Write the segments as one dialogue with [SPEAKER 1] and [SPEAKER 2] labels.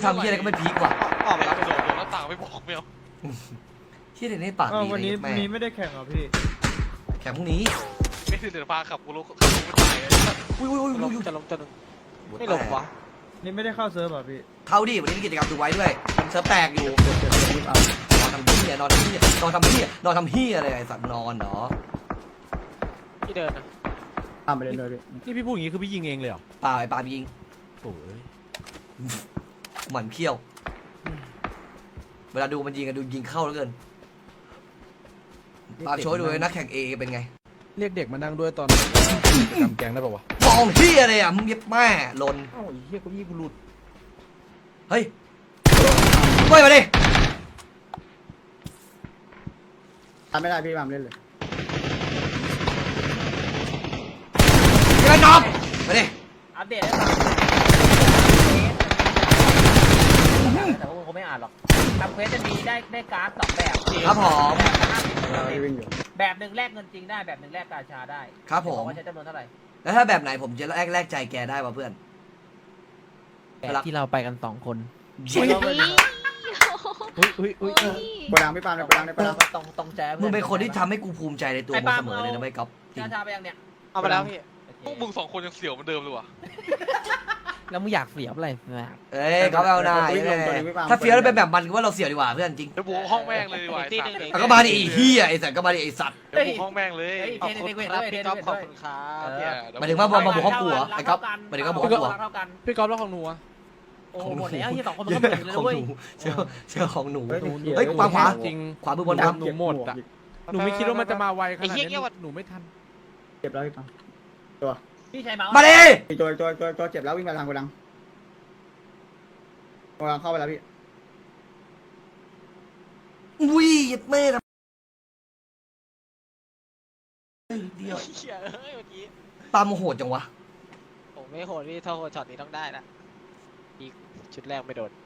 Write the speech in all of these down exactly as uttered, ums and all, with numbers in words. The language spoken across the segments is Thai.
[SPEAKER 1] ทำเฮียอะไรก็ไม่พีกว่ะ
[SPEAKER 2] ออกมาแล้วโดดโดดแล้วต่างไม่บอกไม่เอา
[SPEAKER 1] เฮียเดี๋ยวนี้ปาก
[SPEAKER 3] อ้าว
[SPEAKER 1] ดี
[SPEAKER 3] วันนี้
[SPEAKER 1] แม่
[SPEAKER 3] วันนี้ไม่ได้แข่งเหรอพี่
[SPEAKER 1] แข่งพรุ่งนี้
[SPEAKER 2] ไม่คือเดี๋ยวพาขับกูรู้ขับกูไม่ตายเลย
[SPEAKER 1] อุ้ยอุ้ยอุ้ย
[SPEAKER 2] ล
[SPEAKER 1] อุ้
[SPEAKER 2] ง
[SPEAKER 1] ย
[SPEAKER 2] จะลงจะลงไม่ลงวะ
[SPEAKER 3] นี่ไม่ได้เข้าเซิร์ฟเหรอพี่
[SPEAKER 1] เข้าดิวันนี้มีกิจกรรมดูไว้ด้วยเซิร์ฟแตกอยู่นอนทำเฮียนอนทำเฮียนอนทำเฮียนอนทำเฮียอะไรไอ้สัตว์นอนเหรอ
[SPEAKER 2] ที่เดินนะ
[SPEAKER 4] ตามไปเลยเลยพี่
[SPEAKER 5] นี่พี่พูดอย่างนี้คือพี่ยิงเองเลยเหรอ
[SPEAKER 1] เปล่าไอ้ปาล์มยิง
[SPEAKER 5] โอ้ย
[SPEAKER 1] หมันเขี้ยว เวลาดูมันยิงกันดูยิงเข้าแล้วเกินปาล์มโชว์ให้ดูเลยนักแข่งเอเป็นไง
[SPEAKER 5] เรียกเด็กมานั่งด้วยตอนกิจกรรมแกงได้ป่าวะ
[SPEAKER 1] มองเฮียเลยอ่ะมึงเย็บแม่ลน
[SPEAKER 5] เอ้าไอ้เหี้ยเกูยี่กูหลุด
[SPEAKER 1] เฮ้ยเฮ้ยมาดิ
[SPEAKER 4] ตามไม่ได้พี่ตามเล่นเลย
[SPEAKER 1] กระนอบมาดิ
[SPEAKER 6] อัปเดตให้ฟังแต่ว่าคงไม่อ่านหรอกทำเควสจะมีได้ได้การ์ดสองแบบ
[SPEAKER 1] ครับผม
[SPEAKER 4] พี่วิ่งอยู่
[SPEAKER 6] แบบหนึ่งแลกเงินจริงได้แบบหนึ่งแลกกาชาได้
[SPEAKER 1] ครับผม
[SPEAKER 6] ว่าใช้จำนวนเท่าไหร่
[SPEAKER 1] แล้วถ้าแบบไหนผมจะแลกแลกใจแกได้ป่ะเพื่อน
[SPEAKER 7] แบบที่เราไปกันสองคน
[SPEAKER 1] เฮ้ย
[SPEAKER 7] อุ้ยอุ้ยอุ้ย
[SPEAKER 4] โกดังพี่ปาล์มในโกดังในโกดัง
[SPEAKER 6] ตรงตรงแจ๊
[SPEAKER 1] มึงเป็นคนที่ทำให้กูภูมิใจในตัวมึงเสมอเลยนะไม่ก๊อฟจริง
[SPEAKER 6] กาชาไปยังเนี่ย
[SPEAKER 2] เอาไปแล้วพี่พวกมึงสองคนยังเสียวเหมือนเดิมเลยว่ะ
[SPEAKER 7] แล้วมึงอยากเสียบอะไรแบบ
[SPEAKER 1] เอ้ยก๊อฟเอาหน้าถ้าเฟี้ยวแล้วเป็นแบบมันกูว่าเราเสียวดีกว่าเพื่อนจริง
[SPEAKER 2] เดี๋ยวบุกห้องแม่งเลยดีกว่าไอ้สัตว์
[SPEAKER 1] แต่ก็มาดิไอ้เฮียไอ้สัตว์ก็มาดิไอ้สัตว์
[SPEAKER 2] เดี๋ยวบุกห้องแม่งเลย
[SPEAKER 6] เฮ้ย
[SPEAKER 2] ข
[SPEAKER 6] เท
[SPEAKER 2] อบ
[SPEAKER 6] น
[SPEAKER 2] คุณ
[SPEAKER 6] เทน
[SPEAKER 2] ครับ
[SPEAKER 6] เท
[SPEAKER 2] พี่
[SPEAKER 6] น
[SPEAKER 2] ก๊อฟ
[SPEAKER 6] เทน
[SPEAKER 2] ขอบคุณครับ
[SPEAKER 6] เออ
[SPEAKER 1] หมายถึงว่าบอลมาบุกห้องกูเหรอไอ้ก๊อฟหมายถึงว่าบุกห้องกูเหรอ
[SPEAKER 6] เท่ากัน
[SPEAKER 5] พี่กอล์ฟแล้วของหนูอะ
[SPEAKER 6] โอ้หมดแล้วที่สองคนมันก็เหมือนเลย
[SPEAKER 1] ของ
[SPEAKER 6] เว้ย
[SPEAKER 1] หนูเชื่อเชื่อของหนู
[SPEAKER 4] เฮ้ย
[SPEAKER 1] เฮ้ยขวาขวา
[SPEAKER 5] จริง
[SPEAKER 1] ขวามือบนครับ
[SPEAKER 5] หนูหมดอะหนูไม่คิดว่ามันจะมาไวขนาดนี้หนูไม่ทัน
[SPEAKER 4] เจ็บแล้วพี่ปาล์ม
[SPEAKER 6] พี่ใช้เมาส์
[SPEAKER 1] มาดิ
[SPEAKER 4] อีกตัวตัวตัวตัวเจ็บแล้ววิ่งมาทางโกดังโกดังเข้าไปแล้วพี่
[SPEAKER 1] อุ้ยแม่นะเดียว
[SPEAKER 2] เหี้ยเฮ้ยเมื่อกี้
[SPEAKER 1] ปาล์มโหดจังวะ
[SPEAKER 2] ผมไม่โหดพี่ถ้าโหดช็อตนี้ต้องได้นะอีกชุดแรกไม่โดน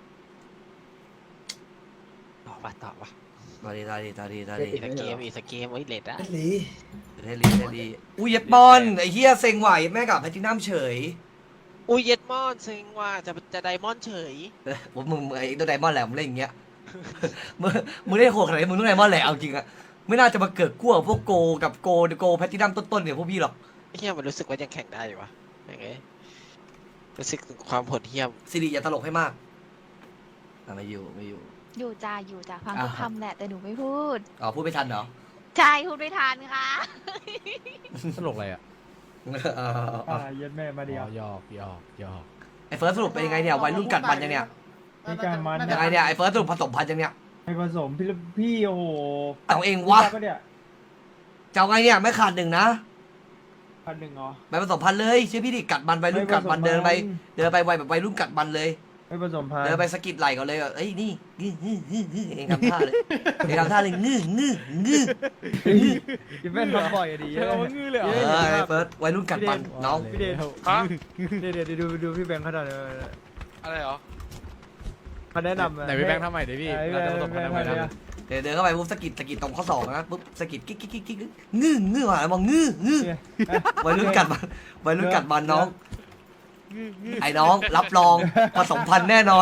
[SPEAKER 2] ต่อปะต่อปะ
[SPEAKER 1] ตาดีตาดีตาดีตาดี
[SPEAKER 2] อีกสักเกมอีกสักเกมไว้เลดนะ
[SPEAKER 1] เทลีเทลีอุ้ยเย็ดบอลไอ้เฮียเซ็งไหวแม่กับแพทินัมเฉย
[SPEAKER 2] อุ้ยเย็ดมอนซิงว่าจะจะไดมอนด์เฉย
[SPEAKER 1] ผมมึงไอ้ตัวไดมอนด์แหละมึงเล่นอย่างเงี้ยมึงมึงเล่นโหดขนาดนี้มึงต้องไดมอนด์แหละเอาจริงอะไม่น่าจะมาเกิดกู้กับพวกโกกับโกโกแพทินัมต้นๆเนี่ยพวกพี่หรอก
[SPEAKER 2] ไอ้เหี้ยมันรู้สึกว่ายังแข่งได้อยู่วะยังไงรู้สึกถึงความโหดเหี้ยม
[SPEAKER 1] สิริอย่าตลกให้มากอ่ะไม่อยู่ไม่อยู่
[SPEAKER 8] อยู่จ้าอยู่จ้าฟัง
[SPEAKER 1] อ่า
[SPEAKER 8] ทุกคำแหละแต่หนูไม่พูด
[SPEAKER 1] อ๋อพูดไม่ทันเหรอ
[SPEAKER 8] ใช่พูดไม่ทันค่ะ
[SPEAKER 5] ตลกอะไรอะ
[SPEAKER 1] เออ
[SPEAKER 3] อ่าเย็ดแม่มาเดียว
[SPEAKER 5] หยอกหยอกหยอก
[SPEAKER 1] ไอ้เฟิร์สสรุปเป็นยังไงเนี่ยวัยรุ่นกัดมันยังเนี่ย
[SPEAKER 3] มีการมัน
[SPEAKER 1] ยังไงเนี่ยไอ้เฟิร์สสรุปผสมพันธุ์ยังเนี่ย
[SPEAKER 3] ไปผสมพี่พี่โอ้โห
[SPEAKER 1] เอาเองวะ
[SPEAKER 3] ก็เนี่ย
[SPEAKER 1] จะเอาไงเนี่ยไม่ขาดหนึ่งนะ
[SPEAKER 3] พันหนึ่งเหรอ
[SPEAKER 1] ไปผสมพันธุ์เลยเชื่อพี่ดิกัดมันวัยรุ่นกัดมันเดินไปเดินไปวัยแบบวัยรุ่นกัดมันเลย
[SPEAKER 3] ไม่ผสมพัน
[SPEAKER 1] เดินไปสะกิดไหล่ก่อนเลยแบบเอ้ยนี่งื้องื้องื้องื้อเองทำท่าเลยเองทำท่าเลยงื้องื้องื้อ
[SPEAKER 3] พี่เป็นทำบ่อยอะดี
[SPEAKER 5] ใช่เอางื้อเลยเหร
[SPEAKER 1] เอ
[SPEAKER 5] อ
[SPEAKER 1] อไอ้เฟิร์สวัยรุ่นกัดมันน้อง
[SPEAKER 3] พี่เดช
[SPEAKER 2] ฮะ
[SPEAKER 3] เดี๋ยวเดี๋ยวดูดูพี่แบงค์เขาทำเลย
[SPEAKER 2] อะไรเหรอ
[SPEAKER 3] เขาแนะนำ
[SPEAKER 5] ไหนพี่แบงค์ทำใหม่ดิพี่เราจะผสมพันธุ์ทำไมนะ
[SPEAKER 1] เดี๋ยวเดินเข้าไปปุ๊บสะกิดสะกิดตรงข้อศอกนะปุ๊บสะกิดกิ๊กกิ๊กกิ๊กกิ๊กงื้องื้อว่ะมองงื้องื้อวัยรุ่นกัดมันวัยรุ่นกัดมันน้อง ไอ้น้องรับรองผสมพันธุ์แน่นอน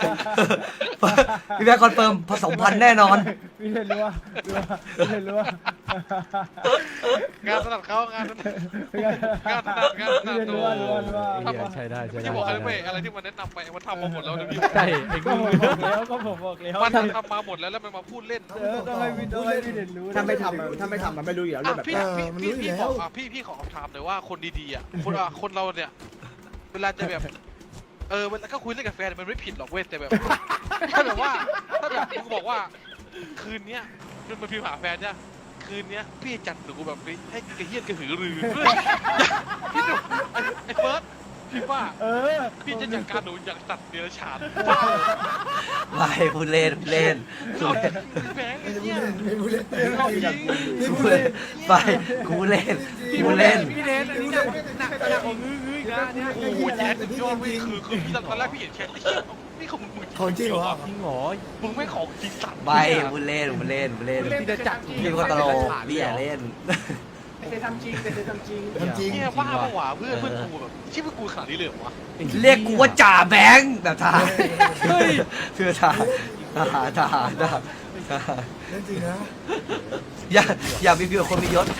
[SPEAKER 1] พี่แบงค์คอนเฟิร์มผสมพันธุ์แน่นอน
[SPEAKER 3] พี่เดชรู้ว่ารู้ว่าพี่เดชรู้ว่าง
[SPEAKER 2] านถนัดเขางานถนัดงานถนัดงานถนั
[SPEAKER 3] พี่
[SPEAKER 2] ด
[SPEAKER 3] เดชรู้ว่ารู้ว่ารู้ว่า
[SPEAKER 5] เหี้ยใช่ได้ใช่ได้
[SPEAKER 2] ที่บอกอะไรไม่อะไรที่มันแนะนำไปมันทำมาหมดแล้วนะพี่
[SPEAKER 5] ใช่ไอ้
[SPEAKER 3] ก็
[SPEAKER 5] งื้
[SPEAKER 3] ผม
[SPEAKER 5] อ
[SPEAKER 3] บอกแล้วก็ผมบอกแล้ว
[SPEAKER 2] มันทำมาหมดแล้วแล้วมันมาพูดเล่น
[SPEAKER 3] เออต้องให้พี่ต้องให้พี่เดชรู้
[SPEAKER 4] ถ้าไม่ทำอะถ้าไม่ทำมันไม่รู้อยู่แล้วเรื่
[SPEAKER 2] อ่ะ
[SPEAKER 4] องแบบ
[SPEAKER 2] พี่พี่พี่พี่ขออ่ะพี่พี่ขอคำถามหน่อยว่าคนดีๆอ่ะคนอ่ะคนเราเนี่ยเวลาจะแบบเออเวลาก็คุยเล่นกับแฟนมันไม่ผิดหรอกเว้ยแต่แบบถ้าแบบว่าถ้าแบบมึงบอกว่าคืนเนี้ยมันมาพิมพ์หาแฟนเนี่ยคืนเนี้ยพี่จัดหนูแบบให้กระเฮี้ยนกระหือรือพี่ดูไอ้ไอ้เฟิร์สพี่ว่า
[SPEAKER 3] เออ
[SPEAKER 2] พี่จะจัดการหนูอย่างสัตว์เดรัจฉาน
[SPEAKER 1] ไม่พูดเล่นพูดเล่นพูดเล่น
[SPEAKER 2] แบงค์ไอ้เนี่ยเอาจริง
[SPEAKER 1] พูดเล่นไปกูเล่นกูเล่น
[SPEAKER 5] พี่เดนอันนี้หนักหนักหนักกว่างื้องื้ออีกนะเนี่ย
[SPEAKER 2] โอ้โหแจ๊ดสุดยอดเว้ยคือคือพี่ตอนแรกพี่เห็นแชทไอ้เหี้ยนี่ของมึง
[SPEAKER 4] ของจริงเหรอ
[SPEAKER 5] จริงเหรอ
[SPEAKER 2] มึงไม่ของจริงสัตว์
[SPEAKER 1] ไปพูดเล่นพูดเล่นพูดเล่น
[SPEAKER 5] พี่จะจัด
[SPEAKER 1] พี่คนตลกพี่อย่าเล่น
[SPEAKER 5] โอ้
[SPEAKER 3] เตทำจริงเตทำจริง
[SPEAKER 9] ทำจริง
[SPEAKER 2] เนี่ยบ้าปะวะเพื่อนเพื่อนกูแบบชื่อเพื่อนกูขนาดนี้เลยเหรอวะ
[SPEAKER 1] เรียกกูว่าจ่าแบงค์แบบทหารเฮ้ยเพื่อทหารทหารทหารทหารทหาร
[SPEAKER 9] เรื่องจริงนะ
[SPEAKER 1] อย่าอย่ามีเพียงคนมียศ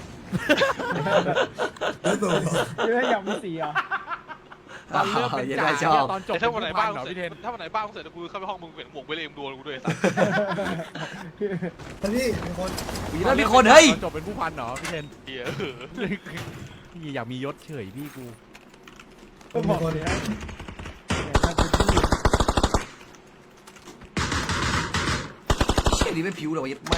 [SPEAKER 9] เรื่องตัว
[SPEAKER 3] เยอะอย่างมีสีอ่ะ
[SPEAKER 5] ตอนเริ่มเป็น
[SPEAKER 1] อย่า
[SPEAKER 5] จ่า
[SPEAKER 1] ได้ชอบ
[SPEAKER 5] ตอนจบ
[SPEAKER 2] แต่ถ้าวันไหนบ้าง
[SPEAKER 5] เหรอ
[SPEAKER 2] เสร็จ
[SPEAKER 5] พี่เทน
[SPEAKER 2] ถ้าวันไหนบ้างเสร็จแล้วกูเข้าไปห้องมึงเห็นหมวกเวเลมโดนกูด้วยสัส
[SPEAKER 9] ท่านพี่มีคน
[SPEAKER 1] มีแล้วมีคนเฮ้ย
[SPEAKER 5] ตอนจบเป็นผู้พันเหรอพี่เทน
[SPEAKER 2] เหี้ย
[SPEAKER 5] พี่อยากมียศเฉยพี่กู
[SPEAKER 3] ก็บอกเลยนะเนี่ยถ้าเป็นที่
[SPEAKER 1] เชี่ยนี่ไม่ผิวเลยวะยัดแม่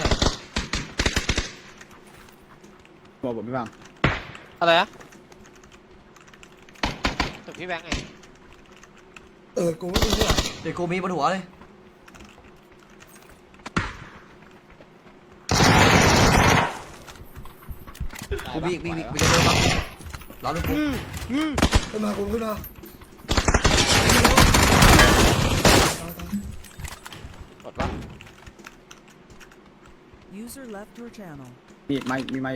[SPEAKER 4] บอกผมพี่บัง
[SPEAKER 6] อะไรอะถึงพี่แบงค์ไง
[SPEAKER 9] เออกูไม่รู้ว่า
[SPEAKER 1] เดี๋ยวกูมีบนหัวเลยกูมีมีมีมีจะเดินมาล้อลูกกู
[SPEAKER 9] ขึ้นมากูขึ้นมา
[SPEAKER 6] กดปะ
[SPEAKER 10] User left your channel.
[SPEAKER 4] มีไม่มีไม่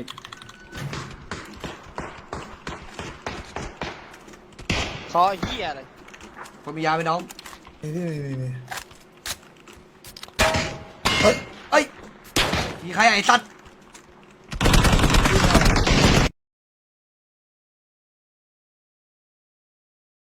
[SPEAKER 6] คอเหี้ยอะไร
[SPEAKER 1] คนมียาไหมน้อง
[SPEAKER 9] มีพี่มีมีมี
[SPEAKER 1] เอ้ยมีใครไอ้สัตว์